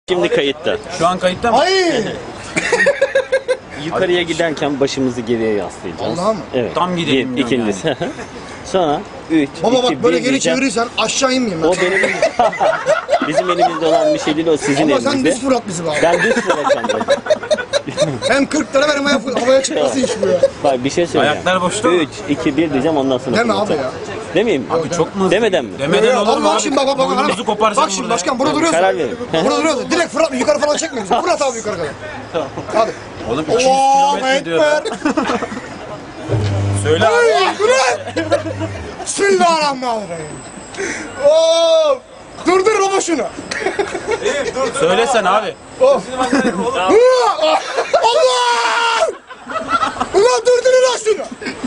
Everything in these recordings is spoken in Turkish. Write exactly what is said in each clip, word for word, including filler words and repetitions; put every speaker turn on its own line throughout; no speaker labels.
Şimdi kayıtta.
Şu an kayıtta mı?
Hayır.
Yukarıya giderken başımızı geriye yaslayacağız.
Allah'a mı?
Evet.
Tam gidelim
Bir, ikincisi. Sonra üç,
Baba
iki,
bak böyle
bir
geri
diyeceğim.
çevirirsen aşağı inmeyeyim ben.
O benim bizim elimizde olan bir şey değil, o sizin
Ama
elinizde.
sen düz fırlat bizi bari.
Ben düz fırlatacağım bak.
Hem kırk lira verim havaya, havaya çıkması iş bu ya.
Bak bir şey söyleyeceğim.
Ayaklar boşta mı?
üç, iki, bir diyeceğim, ondan sonra
Deme abi
fırlatacağım.
ya.
Demeyeyim mi?
Abi çok mu hızlı?
Demeden mi?
Demeden olur mu
Allah
abi?
şimdi bak bak bak.
Boynumuzu koparsan
Bak şimdi
burada
başkan
ya.
burada duruyorsun.
Karar verin.
Burada duruyorsun. Direkt fırlat yukarı falan çekme bizi. Fırlat abi yukarı kadar. Hadi.
Oğlum iki yüz
Allahu
kilometre diyor.
Ekber.
Söyle abi.
Ay Kur'an. Bismillahirrahmanirrahim. Oo. Durdur baba şunu.
Söylesen abi.
Allah! Ulan durdurun lan şunu.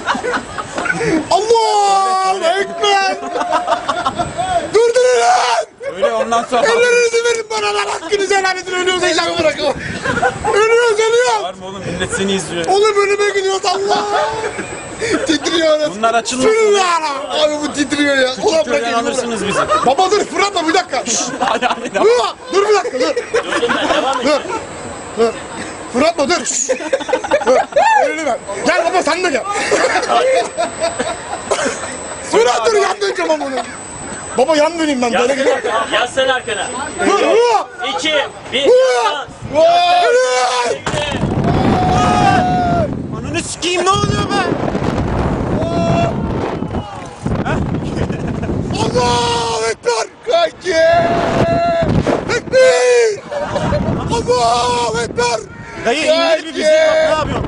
Allahu Ekber. Durdurun lan.
Öyle ondan sonra.
Ellerinizi verin bana lan, hakkınızı helal edin, ölüyoruz heyecanı bırakın. Ölüyoruz ölüyoruz.
Var mı oğlum, millet seni izliyor.
Oğlum önüme gidiyoruz Allah. Titriyoruz.
Bunlar açılmasın.
Bismillah. Abi bu titriyor ya. Ulan bırak
Köyden
elini bırak.
alırsınız bizi.
Baba dur fırlatma bir dakika. Şşş.
Hadi hadi devam.
Dur, dur bir dakika dur. Dur. Dur. Fırlatma dur. Şşş. Dur. Elini ver. Gel baba sen de gel. Fırat dur yan döneceğim ama onu. Baba yan döneyim ben böyle gidiyorum.
Yaslan arkana.
Dur. Dur.
iki, bir,
Ananı sikeyim, ne oluyor be?
Allahu Ekber. Kanki. Ekber. Allahu Ekber.
Dayı indir bir bizi, bak ne yapıyorsun?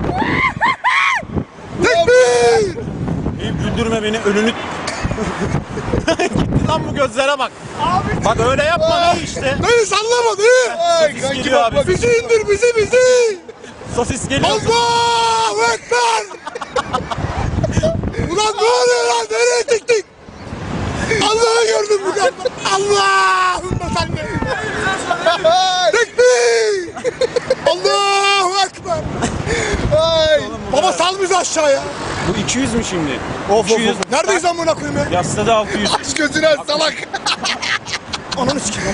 Ekber.
Eyüp güldürme beni, önünü... Gitti lan bu gözlere bak. Bak öyle yapma dayı işte.
Dayı sallama dayı. Ay
kanki geliyor bak, abi.
Bizi indir bizi bizi.
Sosis geliyor.
Allahu Ekber. Ulan ne oluyor lan? Nereye çıktık? Allah'ı gördüm bu kadar. Allah'ım sen de. Tekbir. Allahu Ekber. Ay. Baba sal bizi aşağıya.
Bu iki yüz mü şimdi?
Of
iki yüz.
Neredeyiz amına koyayım ya?
Yasladı altı yüz.
Aç gözünü aç salak. Ananı sikeyim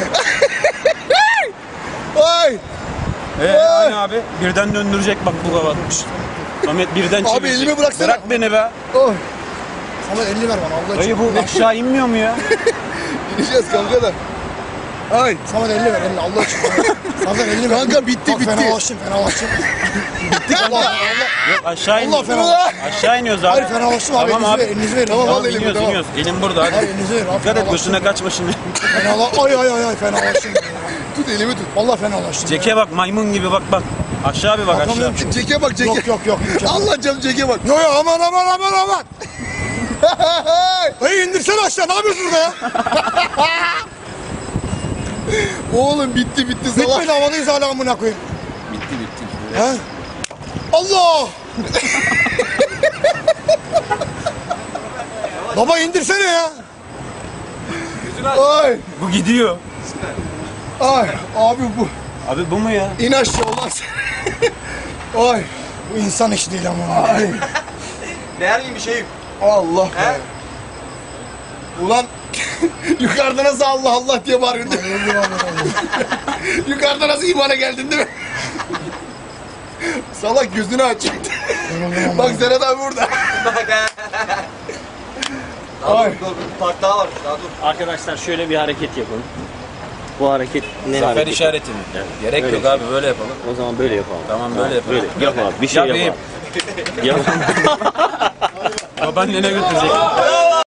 onu. Ay.
Eee hani abi birden döndürecek bak bu kavatmış. Ahmet birden çevirecek.
Abi elimi bıraksana.
Bırak beni be.
Oh. Samet elini ver bana Allah
Dayı
için.
bu aşağı inmiyor mu ya?
Gideceğiz kanka da. Ay. Samet elini ver elini Allah için. Samet elini ver. Kanka bitti
Bak,
bitti. Fenalaştım fenalaştım. bitti kanka. Allah Allah.
Yok aşağı
Allah
iniyoruz.
fena.
Aşağı iniyoruz abi.
Hayır fenalaştım abi.
Tamam
Elinizi
abi.
ver elinizi ver. Tamam
Tamam
al elimi
iniyoruz
tamam.
iniyoruz. Elin burada hadi.
Hayır elinizi ver. Abi,
Dikkat et
fenalaştım.
gözüne kaçma şimdi.
Fenala. Ay ay ay ay fenalaştım. Tut elimi tut. Vallahi fenalaştım.
Ceke bak maymun gibi bak bak. Aşağı bir bak aşağı.
Bakamıyorum ki.
Ceke bak ceke.
Yok yok yok.
Allah canım ceke bak.
Yo yo aman aman aman aman. Dayı indirsene aşağı. Ne yapıyorsun burada ya?
Oğlum bitti bitti salak.
Bitmedi havadayız hala amına koyayım.
Bitti bitti.
He? Allah! Baba indirsene ya.
Ay
Bu gidiyor.
ay abi bu.
Abi bu mu ya?
İn aşağı ulan sen. Ay
Bu insan işi değil ama.
ay.
Değer gibi bir şey.
Allah be. Ulan yukarıda nasıl Allah Allah diye bağırıyordun. Yukarıda nasıl imana geldin değil mi? Salak gözünü aç. Bak Serhat abi burada.
Daha dur, dur, bir park daha var. Daha dur.
Arkadaşlar şöyle bir hareket yapın. Bu hareket ne
Zafer
hareketi?
işareti mi?
Evet.
Gerek
Öyle
yok
şey.
abi böyle yapalım.
O zaman böyle yapalım.
Tamam böyle yapalım.
Böyle yap abi, bir şey
Yap
yap abi. Yap.
Babaannene götürecek.